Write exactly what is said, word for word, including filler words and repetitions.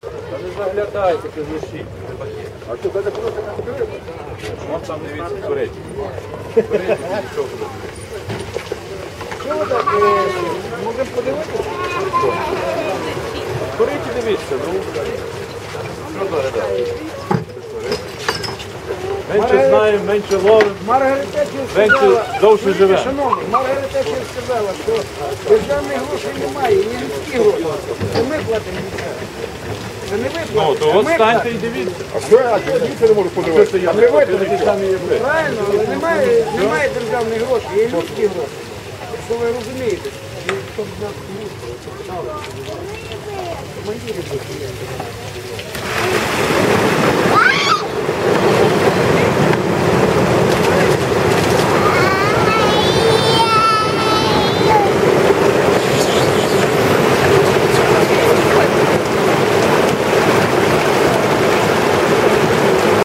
Та не заглядайте, ти лишіть. А що, це просто не скрив? Вон там, дивіться, курить. Курить, нічого буде. Що ви так, можемо подивитися? Курить і дивіться, ну. Що заглядати? Менше знаємо, менше ловимо, Маргарита Тетчер менше сказала, довше живемо. шановні, Маргарита Тетчер сказала, що державних грошей немає, є людські гроші. Це ми платимо місцеві. Це не ви Ну, платите, то а от ми станьте платимо. і дивіться. А що я дивіться не можу подивитися? А ви витратите самі є ви. Правильно, але немає, немає державних грошей, є людські гроші. Якщо ви розумієте. Командири